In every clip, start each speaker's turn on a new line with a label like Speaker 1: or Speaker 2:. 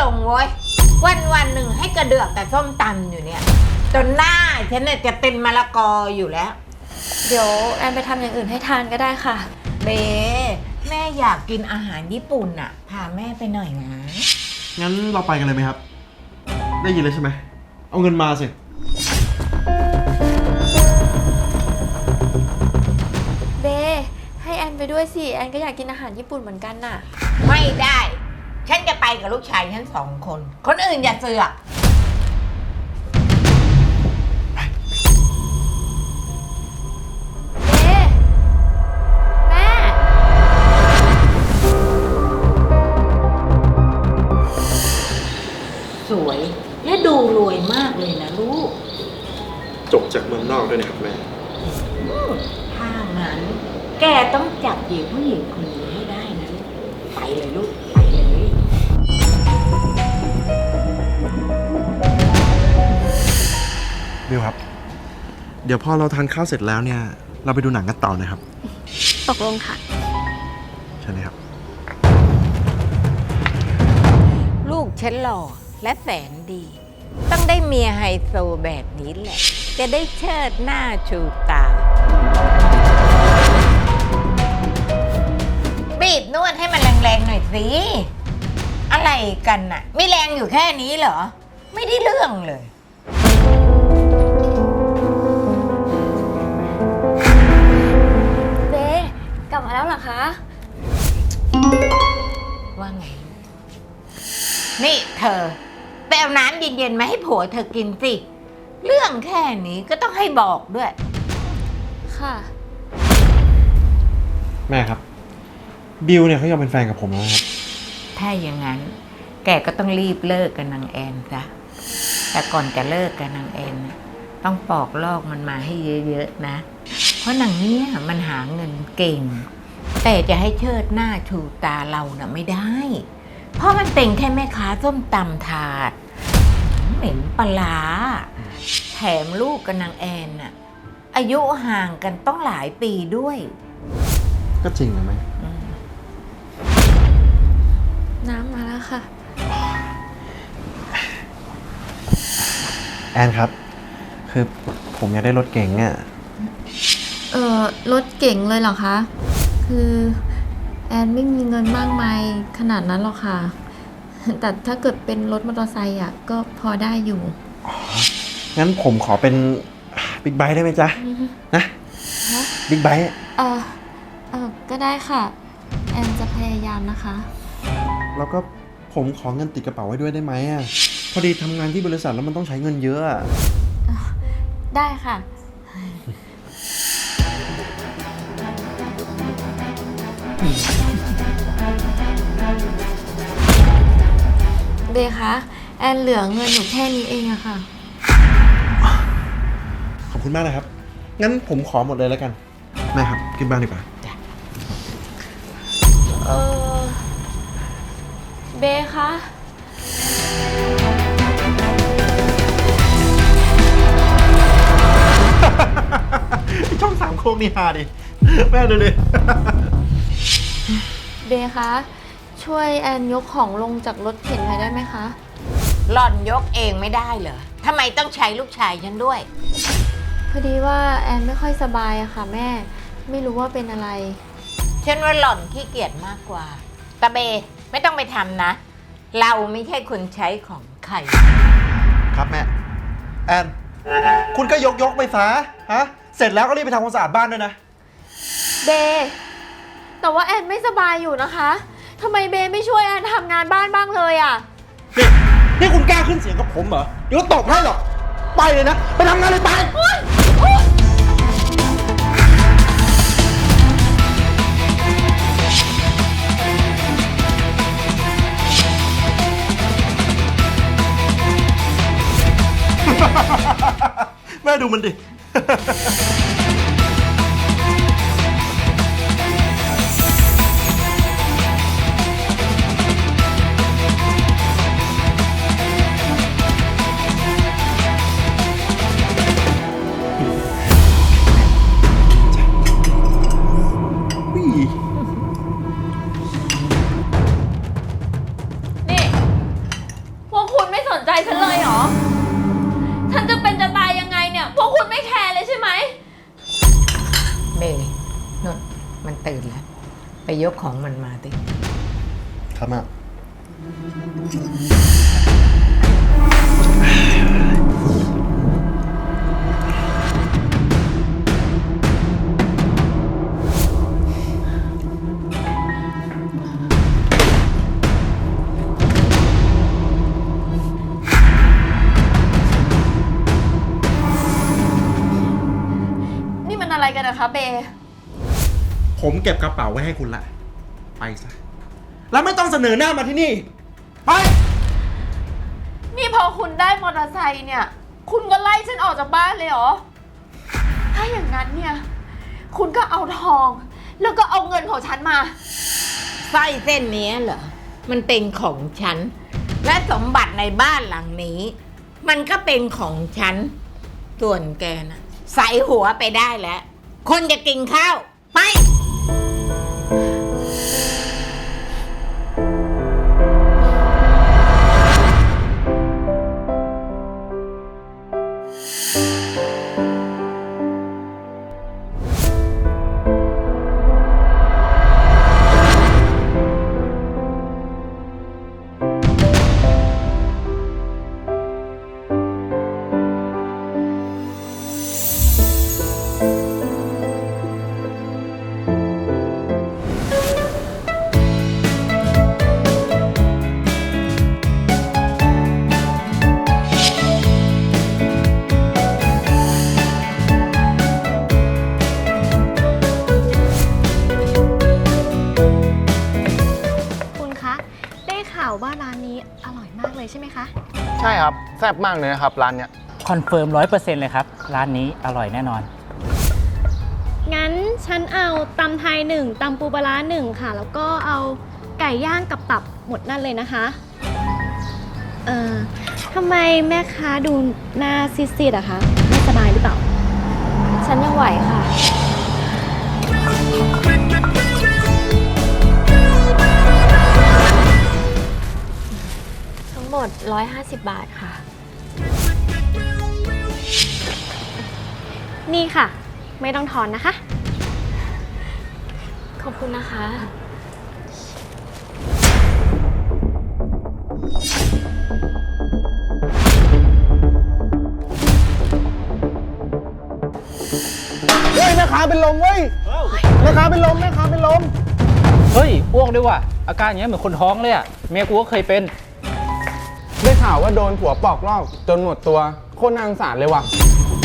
Speaker 1: ลงเว้ยวันหนึ่งให้กระเดือกแต่ส้มตำอยู่เนี่ยจนหน้าฉันเนี่ยจะเป็นมะละกออยู่แล้ว
Speaker 2: เดี๋ยวแอนไปทำอย่างอื่นให้ทานก็ได้ค่ะ
Speaker 1: เบแม่อยากกินอาหารญี่ปุ่นอ่ะพาแม่ไปหน่อยนะ
Speaker 3: งั้นเราไปกันเลยไหมครับได้ยินเลยใช่ไหมเอาเงินมาสิ
Speaker 2: เบให้แอนไปด้วยสิแอนก็อยากกินอาหารญี่ปุ่นเหมือนกันน่ะ
Speaker 1: ไม่ได้ฉันจะไปกับลูกชายฉัน2 คนคนอื่นอย่าเสือก
Speaker 2: เบแม่
Speaker 1: สวยและดูรวยมากเลยนะลูก
Speaker 3: จบจากเมืองนอกด้วยนะครับแม่
Speaker 1: ถ้างั้นแกต้องจับหญิงผู้หญิงคนนี้ให้ได้นะไปเลยลูกไปเลย
Speaker 3: บิวครับเดี๋ยวพอเราทานข้าวเสร็จแล้วเนี่ยเราไปดูหนังกันต่อนะครับ
Speaker 2: ตกลงค่ะ
Speaker 3: ใช่ไหมครับ
Speaker 1: ลูกฉันหล่อและแสนดีต้องได้เมียไฮโซแบบนี้แหละจะได้เชิดหน้าชูตาบีบนวดให้มันแรงๆหน่อยสิอะไรกันน่ะไม่แรงอยู่แค่นี้เหรอไม่ได้เรื่องเลย
Speaker 2: เบกลับมาแล้วเหรอคะ
Speaker 1: ว่าไงนี่เธอไปเอาน้ำเย็นๆมาให้ผัวเธอกินสิเรื่องแค่นี้ก็ต้องให้บอกด้วย
Speaker 2: ค่ะ
Speaker 3: แม่ครับบิวเนี่ยเขายอมเป็นแฟนกับผมแล้วครับ
Speaker 1: ถ้าอย่างนั้นแกก็ต้องรีบเลิกกับนางแอนซะแต่ก่อนจะเลิกกับนางแอนต้องปอกลอกมันมาให้เยอะๆนะเพราะนางเนี้ยมันหาเงินเก่งแต่จะให้เชิดหน้าชูตาเราน่ะไม่ได้เพราะมันเป็นแค่แม่ค้าส้มตำถาดเหม็นปลาแถมลูกกับนางแอนน่ะอายุห่างกันต้องหลายปีด้วย
Speaker 3: ก็จริงนะแม่
Speaker 2: น้ำมาแล้วค่ะ
Speaker 3: แอนครับคือผมอยากได้รถเก๋งอ่ะ
Speaker 2: รถเก๋งเลยเหรอคะคือแอนไม่มีเงินมากมายขนาดนั้นหรอกค่ะแต่ถ้าเกิดเป็นรถมอเตอร์ไซค์อ่ะก็พอได้อยู่
Speaker 3: งั้นผมขอเป็นบิ๊กไบค์ได้ไหมจ๊ะนะบิ๊กไบค์
Speaker 2: ก็ได้ค่ะแอนจะพยายามนะคะ
Speaker 3: แล้วก็ผมขอเงินติดกระเป๋าไว้ด้วยได้ไหมอ่ะพอดีทำงานที่บริษัทแล้วมันต้องใช้เงินเยอะ
Speaker 2: ได้ค่ะเบคะแอนเหลือเงินอยู่แค่นี้เองอะค่ะ
Speaker 3: ขอบคุณมากนะครับงั้นผมขอหมดเลยแล้วกันแม่ครับกินบ้างดีกว่า
Speaker 2: เบคะ
Speaker 3: ช่อง3โค้งนี่ฮาดิแม่ดูเลย
Speaker 2: เบคะช่วยแอนยกของลงจากรถเข็นหน่อยได้ไหมคะ
Speaker 1: หล่อนยกเองไม่ได้เหรอทำไมต้องใช้ลูกชายฉันด้วย
Speaker 2: พอดีว่าแอนไม่ค่อยสบายอะค่ะแม่ไม่รู้ว่าเป็นอะไร
Speaker 1: ฉันว่าหล่อนขี้เกียจมากกว่าตาเบไม่ต้องไปทำนะเราไม่ใช่คนใช้ของใคร
Speaker 3: ครับแม่แอนคุณก็ยกไปซะฮะเสร็จแล้วก็รีบไปทำความสะอาดบ้านด้วยนะ
Speaker 2: เบแต่ว่าแอนไม่สบายอยู่นะคะทำไมเบไม่ช่วยแอนทำงานบ้านบ้างเลยอ่ะ
Speaker 3: นี่คุณกล้าขึ้นเสียงกับผมเหรอเดี๋ยวตบให้หรอกไปเลยนะไปทำงานเลยไปแม่ดูมันดิ
Speaker 2: ไม่สนใจฉันเลยเหรอ ฉันจะเป็นจะตายยังไงเนี่ย พวกคุณไม่แคร์เลยใช่ไหม
Speaker 1: เมย์นนมันตื่นแล้ว ไปยกของมันมาดิ
Speaker 3: ครับแม่
Speaker 2: นี่มันอะไรกันนะคะเบ
Speaker 3: ผมเก็บกระเป๋าไว้ให้คุณละ ไปซะ แล้วไม่ต้องเสนอหน้ามาที่นี่ ไป
Speaker 2: นี่พอคุณได้มอเตอร์ไซค์เนี่ย คุณก็ไล่ฉันออกจากบ้านเลยเหรอ ถ้าอย่างนั้นเนี่ย คุณก็เอาทอง แล้วก็เอาเงินของฉันมา
Speaker 1: สร้อยเส้นนี้เหรอ มันเป็นของฉัน และสมบัติในบ้านหลังนี้ มันก็เป็นของฉัน ส่วนแกนะใส่หัวไปได้แล้ว คนจะกินข้าว ไป
Speaker 4: คุณคะ ได้ข่าวว่าร้านนี้อร่อยมากเลยใช่ไหมคะ
Speaker 5: ใช่ครับแซ่บมากเลยนะครับร้านเนี้ย
Speaker 6: คอนเฟิร์ม100%เลยครับ ร้านนี้อร่อยแน่นอน
Speaker 4: งั้นฉันเอาตำไทย1ตำปูปลาร้า1ค่ะ แล้วก็เอาไก่ย่างกับตับหมดนั่นเลยนะคะทำไมแม่ค้าดูหน้าซีดๆอะคะไม่สบายหรือเปล่า
Speaker 2: ฉันยังไหวค่ะ ทั้งหมด 150 บาทค่ะ
Speaker 4: นี่ค่ะ ไม่ต้องทอนนะคะ
Speaker 2: ขอบคุณนะคะ
Speaker 5: เฮ้ยแม่ค้าเป็นลมเว้ยแม่ค้าเป็นลมแม่ค้าเป็นลม
Speaker 6: เฮ้ยอ้วกด้วยว่ะ อาการอย่างเงี้ยเหมือนคนท้องเลยอะเมียกูก็เคยเป็น
Speaker 5: ได้ข่าวว่าโดนผัวปอกลอกจนหมดตัวโคตรน่าสงสารเลยว่ะ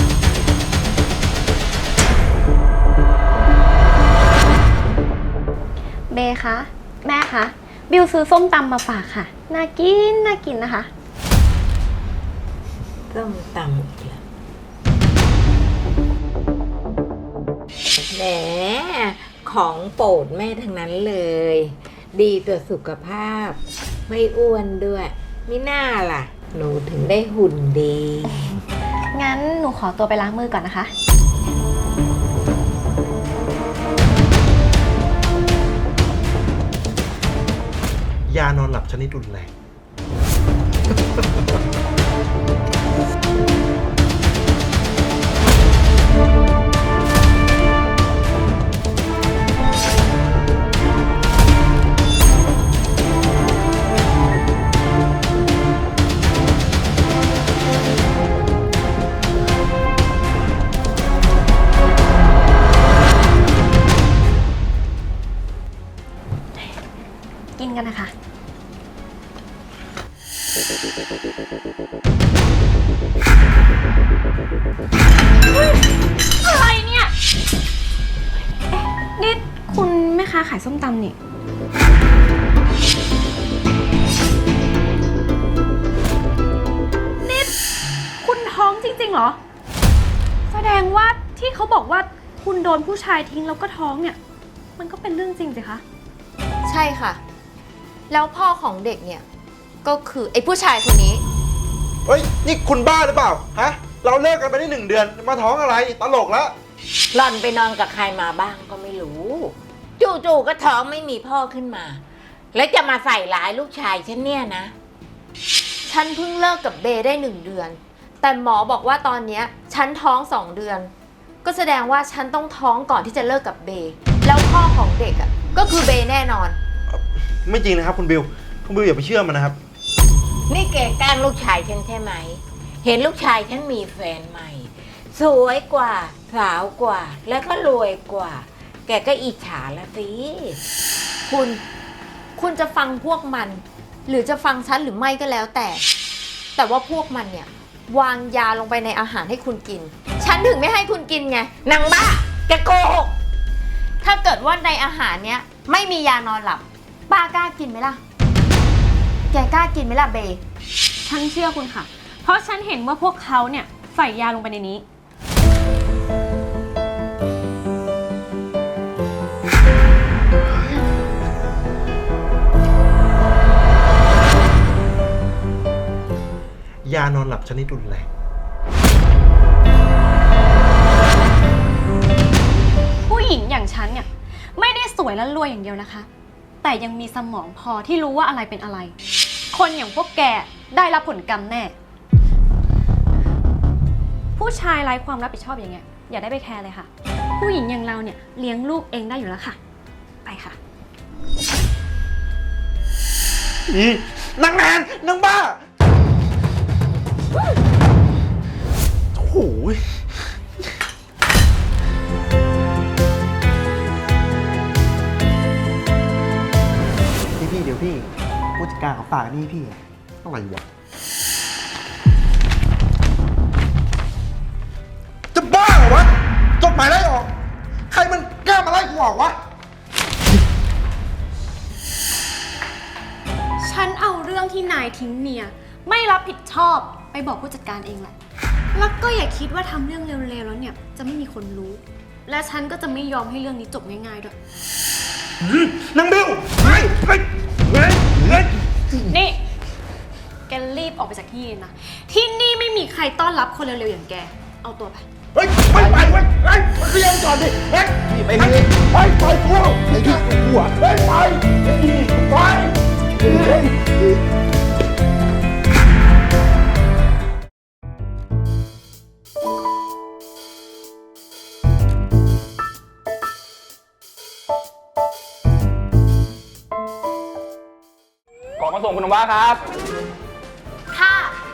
Speaker 4: เบคะ แม่คะ บิวซื้อส้มตำมาฝากค่ะ น่ากิน น่ากินนะคะ
Speaker 1: ต้มตำอีกแล้วแหมของโปรดแม่ทั้งนั้นเลย ดีต่อสุขภาพ ไม่อ้วนด้วยมิน่าล่ะ หนูถึงได้หุ่นดี
Speaker 4: งั้นหนูขอตัวไปล้างมือก่อนนะคะ
Speaker 3: ยานอนหลับชนิดรุนแรง
Speaker 4: กินกันนะคะ อะไรเนี่ย นี่คุณแม่ค้าขายส้มตำนี่ นี่คุณท้องจริงๆเหรอ แสดงว่าที่เขาบอกว่าคุณโดนผู้ชายทิ้งแล้วก็ท้องเนี่ย มันก็เป็นเรื่องจริงสิคะ
Speaker 2: ใช่ค่ะ แล้วพ่อของเด็กเนี่ย ก็คือไอ้ผู้ชายคนนี้
Speaker 3: เฮ้ย นี่คุณบ้าหรือเปล่า ฮะ เราเลิกกันไปได้1 เดือน มาท้องอะไร ตลกแล้ว
Speaker 1: หล่อนไปนอนกับใครมาบ้างก็ไม่รู้ จู่ๆก็ท้องไม่มีพ่อขึ้นมา แล้วจะมาใส่ร้ายลูกชายฉันเนี่ยนะ
Speaker 2: ใช่ฉันเพิ่งเลิกกับเบย์ได้1 เดือน แต่หมอบอกว่าตอนเนี้ยฉันท้อง2 เดือน ก็แสดงว่าฉันต้องท้องก่อนที่จะเลิกกับเบย์แล้วพ่อของเด็กอ่ะก็คือเบย์แน่นอน
Speaker 3: ไม่จริงนะครับคุณบิวอย่าไปเชื่อมันนะครับ
Speaker 1: นี่แกแกล้งลูกชายฉันใช่ไหม เห็นลูกชายฉันมีแฟนใหม่ สวยกว่าสาวกว่า แล้วก็รวยกว่า แกก็อิจฉาละสิ
Speaker 2: คุณจะฟังพวกมัน หรือจะฟังฉันหรือไม่ก็แล้วแต่ว่าพวกมันเนี่ยวางยาลงไปในอาหารให้คุณกิน ฉันถึงไม่ให้คุณกินไง
Speaker 1: นางบ้า แกโกหก
Speaker 2: ถ้าเกิดว่าในอาหารเนี้ยไม่มียานอนหลับป้ากล้ากินไหมล่ะ แกกล้ากินไหมล่ะเบย์
Speaker 4: ฉันเชื่อคุณค่ะ เพราะฉันเห็นว่าพวกเขาเนี่ยใส่ยาลงไปในนี้
Speaker 3: ยานอนหลับชนิดรุนแรง
Speaker 4: ผู้หญิงอย่างฉันเนี่ยไม่ได้สวยและรวยอย่างเดียวนะคะ แต่ยังมีสมองพอที่รู้ว่าอะไรเป็นอะไร คนอย่างพวกแกได้รับผลกรรมแน่ ผู้ชายไร้ความรับผิดชอบอย่างเงี้ยอย่าได้ไปแคร์เลยค่ะ ผู้หญิงอย่างเราเนี่ยเลี้ยงลูกเองได้อยู่แล้วค่ะ ไปค่ะ
Speaker 3: นี่นางแนนนางบ้าโอ้โหพี่เดี๋ยวพี่ผู้จัดการของฝากนี่พี่อะไรวะจะบ้าเหรอวะจดหมายไล่ออก ใครมันกล้ามาไล่กูออกวะ
Speaker 4: ฉันเอาเรื่องที่นายทิ้งเมียไม่รับผิดชอบไปบอกผู้จัดการเองแหละ แล้วก็อย่าคิดว่าทำเรื่องเร็วๆแล้วเนี่ยจะไม่มีคนรู้ และฉันก็จะไม่ยอมให้เรื่องนี้จบง่ายๆด้วย
Speaker 3: นางบิวเฮ้ย
Speaker 4: นี่ แกรีบออกไปจากที่นี่นะ ที่นี่ไม่มีใครต้อนรับคนเร็วๆอย่างแก เอาตัวไป
Speaker 3: เฮ้ยไม่ไปเว้ยเฮ้ยมันเรียนก่อนดิเฮ้ยไปเลยเฮ้ยไปกูไอ้ที่กูอ่ะเฮ้ยไป
Speaker 5: ของมาส่งคุณน้ำว้าครับ
Speaker 2: ค่ะ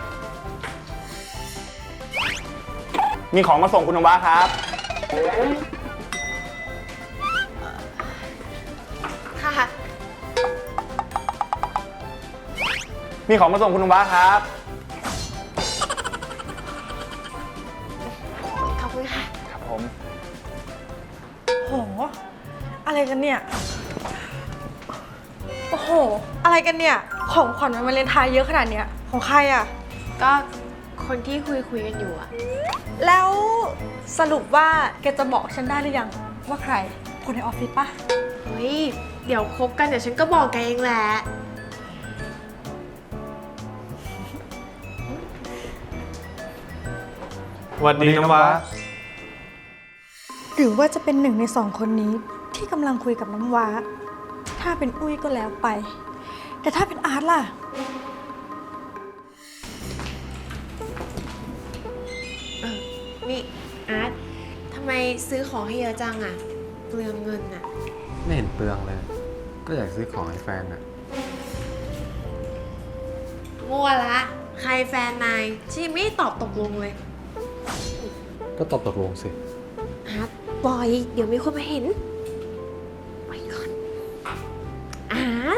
Speaker 5: มีของมาส่งคุณน้ำว้าครับ
Speaker 2: ค่ะ
Speaker 5: มีของมาส่งคุณน้ำว้าครับ
Speaker 2: ขอบคุณค่ะ
Speaker 5: ครับผม
Speaker 7: โห อะไรกันเนี่ย โอ้โห อะไรกันเนี่ย ของขวัญวันวาเลนไทน์เยอะขนาดเนี้ย ของใครอ่ะ
Speaker 2: ก็คนที่คุยกันอยู่อะ
Speaker 7: แล้วสรุปว่าแกจะบอกฉันได้หรือยัง ว่าใคร คนในออฟฟิศปะ
Speaker 2: เฮ้ย เดี๋ยวคบกันเดี๋ยวฉันก็บอกแกเองแหละ
Speaker 5: สวัสดีน้ำว้า
Speaker 7: หรือว่าจะเป็น1 ใน 2 คนนี้ที่กำลังคุยกับน้ำว้า ถ้าเป็นอุ้ยก็แล้วไป แต่ถ้าเป็นอาร์ตล่ะ
Speaker 8: นี่อาร์ตทำไมซื้อของให้เยอะจังอะเปลืองเงินอะ
Speaker 9: ไม่เห็นเปลืองเลย ก็อยากซื้อของให้แฟนอะ
Speaker 8: มั่วละ ใครแฟนนายที่ไม่ตอบตกลงเลย
Speaker 9: ก็ตกลงสิ
Speaker 8: อาร์ตปล่อย เดี๋ยวมีคนมาเห็นไปก่อน อาร์ต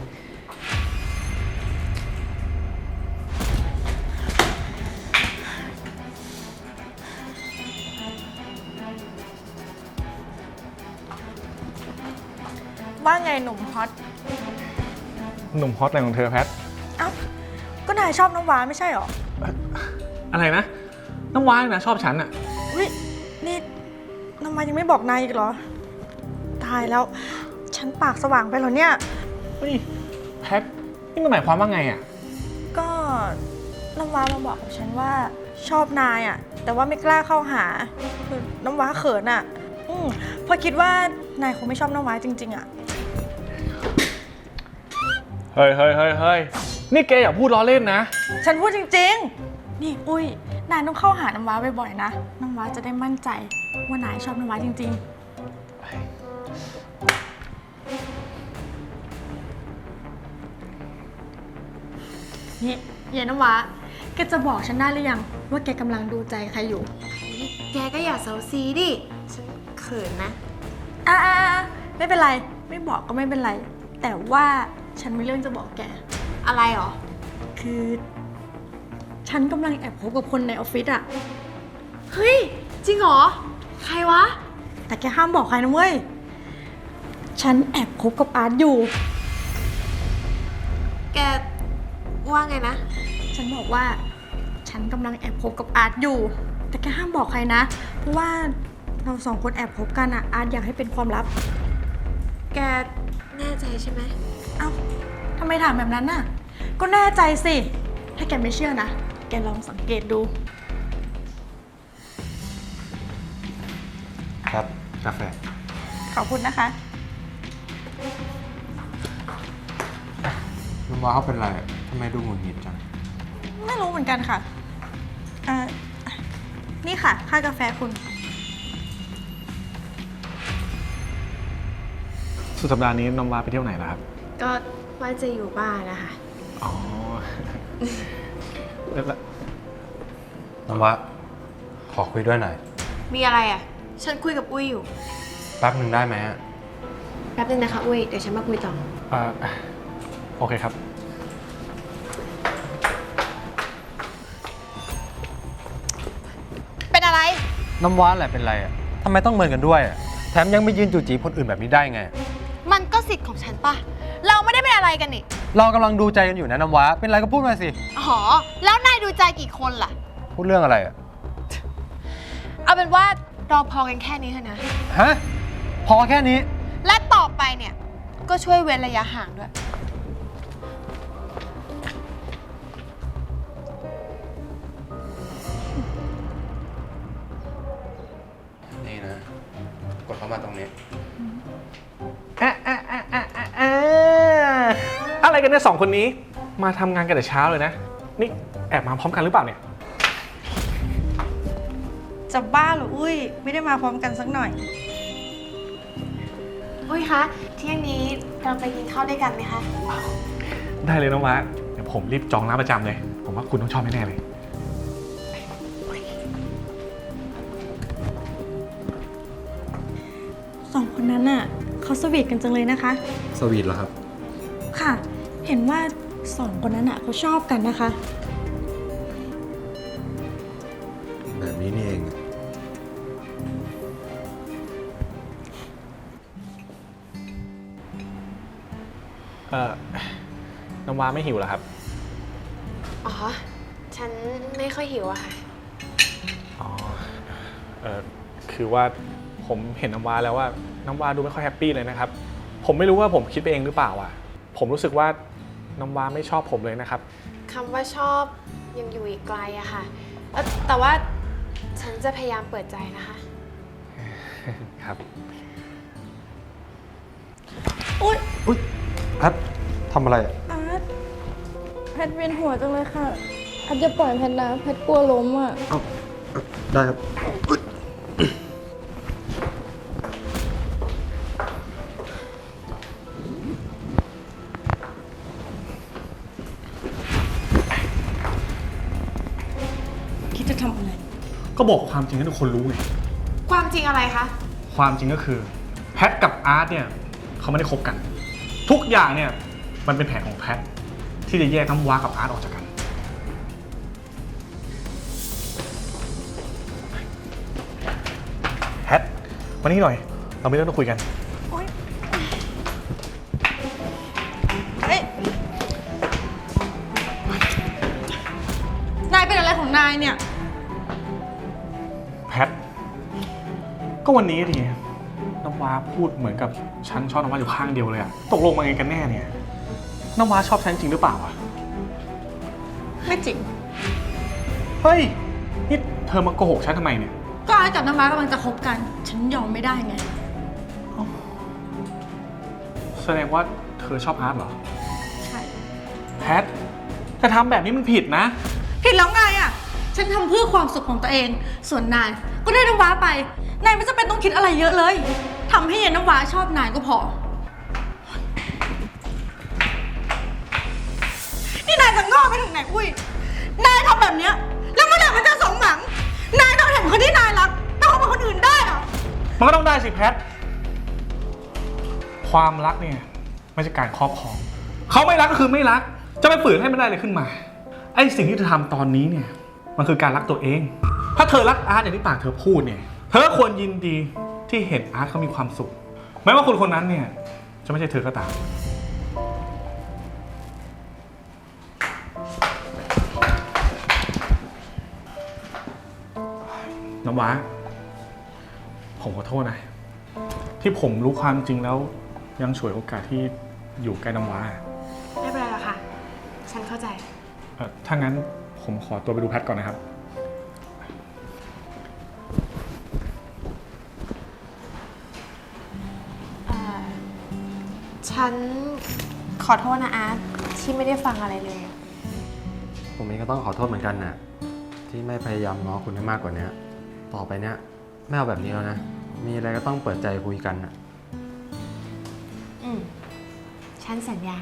Speaker 7: ว่าไงหนุ่มฮอต
Speaker 5: หนุ่มฮอตอะไรของเธอแพท
Speaker 7: เอ้า ก็นายชอบน้ำว้าไม่ใช่หรอ
Speaker 5: อะไรนะ น้ำว้านะชอบฉันอะ
Speaker 7: วินี่น้ำว้ายังไม่บอกนายอีกเหรอ ตายแล้ว ฉันปากสว่างไปเหรอเนี่ย
Speaker 5: เฮ้ยแพท นี่มันหมายความว่าไงอะ
Speaker 7: ก็น้ำว้ามาบอกกับฉันว่าชอบนายอ่ะ แต่ว่าไม่กล้าเข้าหาคือน้ำว้าเขินอ่ะเพราะคิดว่านายคงไม่ชอบน้ำว้าจริงๆอ่ะ
Speaker 5: เฮ้ย
Speaker 10: นี่แกอย่าพูดล้อเล่นนะ
Speaker 7: ฉันพูดจริงๆ นี่อุ้ย นายต้องเข้าหาน้ำว้าบ่อยๆนะ น้ำว้าจะได้มั่นใจว่านายชอบน้ำว้าจริงๆ นี่เย็นน้ำว้าแกจะบอกฉันได้หรือยังว่าแกกำลังดูใจใครอยู่
Speaker 8: แกก็อย่าเซาซีดิ ฉันเขินนะ
Speaker 7: อ่าไม่เป็นไร ไม่บอกก็ไม่เป็นไร แต่ว่าฉันมีเรื่องจะบอกแก
Speaker 8: อะไรหรอ
Speaker 7: คือ ฉันกำลังแอบคบกับคนในออฟฟิศอะ
Speaker 8: เฮ้ย จริงเหรอ ใครวะ
Speaker 7: แต่แกห้ามบอกใครนะเว้ย ฉันแอบคบกับอาร์ตอยู่
Speaker 8: แกว่าไงนะ
Speaker 7: ฉันบอกว่า ฉันกำลังแอบคบกับอาร์ตอยู่ แต่แกห้ามบอกใครนะ เพราะว่าเราสองคนแอบคบกันอะอาร์ตอยากให้เป็นความลับ
Speaker 8: แกแน่ใจใช่ไหม
Speaker 7: เอ้าทำไมถามแบบนั้นน่ะ ก็แน่ใจสิ ถ้าแกไม่เชื่อนะ แกลองสังเกตดู
Speaker 9: ครับ กาแฟ
Speaker 7: ขอบคุณนะคะ
Speaker 9: น้ำว้าเขาเป็นไรอะทำไมดูหงุดหงิดจัง
Speaker 7: ไม่รู้เหมือนกันค่ะนี่ค่ะ ค่ากาแฟคุณ
Speaker 10: สุดสัปดาห์นี้น้องว้าไปเที่ยวไหนล่ะครับ
Speaker 8: ก็ว่าจะอยู่บ้านนะคะ
Speaker 10: อ๋อ แล้ว
Speaker 9: น้ำว้าขอคุยด้วยหน่อย
Speaker 8: มีอะไรอ่ะ ฉันคุยกับอุ้ยอยู่
Speaker 9: แป๊บหนึ่งได้ไหมอะ
Speaker 8: แป๊บนึงนะคะอุ้ย เดี๋ยวฉันมาคุยต่อ
Speaker 10: โอเคครับ
Speaker 8: เป็นอะไร
Speaker 9: น้ำว้าแหละเป็นไรอะทำไมต้องเมินกันด้วยอะแถมยังไปยืนจู่จีคนอื่นแบบนี้ได้ไง
Speaker 8: มันก็สิทธิ์ของฉันปะเราไม่ได้เป็นอะไรกันนี่
Speaker 9: เรากำลังดูใจกันอยู่นะน้ำว้าเป็นไรก็พูดมาสิ
Speaker 8: อ๋อ แล้วนายดูใจกี่คนล่ะ
Speaker 9: พูดเรื่องอะไรอะ
Speaker 8: เอาเป็นว่าเราพอกันแค่นี้เถอะนะ
Speaker 9: ฮะ พอแค่นี้
Speaker 8: และต่อไปเนี่ย ก็ช่วยเว้นระยะห่างด้วย
Speaker 9: นี่นะ กดเข้ามาตรงนี้
Speaker 10: อะไรกันเนี่ยสองคนนี้ มาทำงานกันแต่เช้าเลยนะ นี่แอบมาพร้อมกันหรือเปล่าเนี่ย
Speaker 7: จะบ้าเหรออุ้ย ไม่ได้มาพร้อมกันสักหน่อย
Speaker 8: อุ้ยคะ เที่ยงนี้เราไปกินข้าวด้วยกันไหมคะ
Speaker 10: ได้เลยน้องว้าเดี๋ยวผมรีบจองร้านประจำเลย ผมว่าคุณต้องชอบแน่ๆเลย
Speaker 7: สองคนนั้นน่ะเขาสวีทกันจังเลยนะคะ
Speaker 9: สวีทเหรอครับ
Speaker 7: ค่ะ เห็นว่าสองคนนั้นน่ะเขาชอบกันนะคะ
Speaker 9: แบบนี้นี่เอง
Speaker 10: น้องว้าไม่หิวเหรอครับ
Speaker 8: อ๋อ ฉันไม่ค่อยหิวอะค่ะ
Speaker 10: อ๋อ คือว่าผมเห็นน้ำว้าแล้วว่าน้ำว้าดูไม่ค่อยแฮปปี้เลยนะครับ ผมไม่รู้ว่าผมคิดไปเองหรือเปล่าอ่ะ ผมรู้สึกว่าน้ำว้าไม่ชอบผมเลยนะครับ
Speaker 8: คำว่าชอบยังอยู่อีกไกลอะค่ะ แต่ว่าฉันจะพยายามเปิดใจนะคะ
Speaker 10: ครับ
Speaker 7: อุ้ย
Speaker 9: อุ๊ยแพททำอะไรอะ
Speaker 2: อาร์ตแพทเวียนหัวจังเลยค่ะอาร์ตจะปล่อยแพทนะแพทกลัวล้มอ่ะ
Speaker 9: เอ้าได้ครับอุ๊ย
Speaker 7: คิดจะทำอะไร
Speaker 10: ก็บอกความจริงให้ทุกคนรู้ไง
Speaker 8: ความจริงอะไรคะ
Speaker 10: ความจริงก็คือแพทกับอาร์ตเนี่ยเขาไม่ได้คบกัน ทุกอย่างเนี่ยมันเป็นแผนของแพทที่จะแยกน้ำว้ากับอาร์ตออกจากกัน แพทมานี่หน่อย เราไม่ต้องคุยกัน
Speaker 7: เฮ้ย นายเป็นอะไรของนายเนี่ย
Speaker 10: แพท ก็วันนี้ดิน้ำว้าพูดเหมือนกับฉันชอบน้ำว้าอยู่ข้างเดียวเลยอะตกลงมาไงกันแน่เนี่ยน้ำว้าชอบฉันจริงหรือเปล่าอะ
Speaker 7: ไม่จริง
Speaker 10: เฮ้ย นี่เธอมาโกหกฉันทำไมเนี่ย
Speaker 7: ก็อาร์ตกับน้ำว้ากำลังจะคบกัน ฉันยอมไม่ได้ไง
Speaker 10: แสดงว่าเธอชอบอาร์ตเหรอ
Speaker 7: ใช่
Speaker 10: แพทแต่ทำแบบนี้มันผิดนะ
Speaker 7: ผิดแล้วไงอ่ะ ฉันทำเพื่อความสุขของตัวเอง ส่วนนายก็ได้น้ำว้าไป นายไม่จำเป็นต้องคิดอะไรเยอะเลยทำให้ยายน้ำว้าชอบนายก็พอ นี่นายจะง้อไปถึงไหนอุ้ย นายทำแบบเนี้ยแล้วเมื่อไหร่มันจะสมหวัง นายต้องเห็นคนที่นายรักไปคบกับคนอื่นได้เหรอ
Speaker 10: มันก็ต้องได้สิแพท ความรักเนี่ยไม่ใช่การครอบครอง เขาไม่รักก็คือไม่รัก จะไปฝืนให้มันได้เลยขึ้นมา ไอ้สิ่งที่เธอทำตอนนี้เนี่ยมันคือการรักตัวเอง ถ้าเธอรักอาร์ตอย่างที่ปากเธอพูดเนี่ย เธอควรยินดีที่เห็นอาร์ตเขามีความสุข แม้ว่าคนคนนั้นเนี่ยจะไม่ใช่เธอก็ตาม น้ำว้าผมขอโทษนะ ที่ผมรู้ความจริงแล้วยังฉวยโอกาสที่อยู่ใกล้น้ำว้า
Speaker 4: ไม่เป็นไรหรอกค่ะ ฉันเข้าใจ
Speaker 10: ถ้างั้นผมขอตัวไปดูแพทก่อนนะครับ
Speaker 8: ฉันขอโทษนะอาร์ตที่ไม่ได้ฟังอะไรเลย
Speaker 9: ผมเองก็ต้องขอโทษเหมือนกันนะที่ไม่พยายามง้อคุณให้มากกว่านี้ต่อไปเนี้ยไม่เอาแบบนี้แล้วนะ มีอะไรก็ต้องเปิดใจคุยกันนะ
Speaker 8: ฉันสัญญา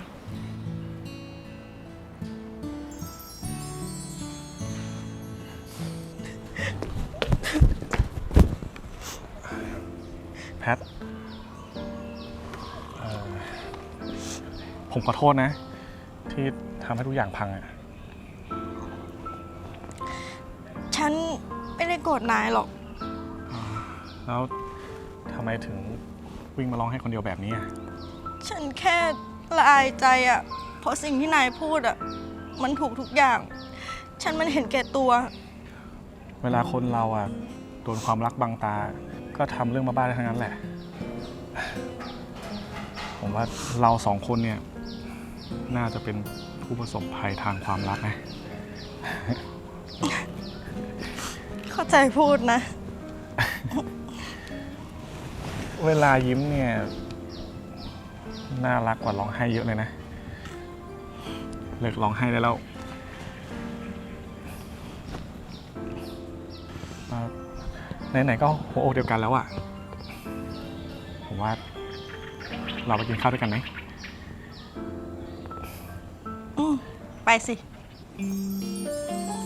Speaker 10: แพท ผมขอโทษนะ ที่ทำให้ทุกอย่างพังอะ
Speaker 7: ฉันไม่ได้โกรธนายหรอก
Speaker 10: แล้วทำไมถึงวิ่งมาร้องให้คนเดียวแบบนี้อะ
Speaker 7: ฉันแค่ละอายใจอ่ะ เพราะสิ่งที่นายพูดอ่ะ มันถูกทุกอย่าง ฉันมันเห็นแก่ตัว
Speaker 10: เวลาคนเราอะโดนความรักบังตา ก็ทำเรื่องบ้าๆได้ทั้งนั้นแหละ ผมว่าเราสองคนเนี่ยน่าจะเป็นผู้ประสบภัยทางความรักนะ
Speaker 7: เข้าใจพูดนะ
Speaker 10: เวลายิ้มเนี่ยน่ารักกว่าร้องไห้เยอะเลยนะ เลิกร้องไห้ได้แล้วไหนๆก็หัวอกเดียวกันแล้วอะผมว่าเราไปกินข้าวด้วยกันไหม
Speaker 7: ไปสิ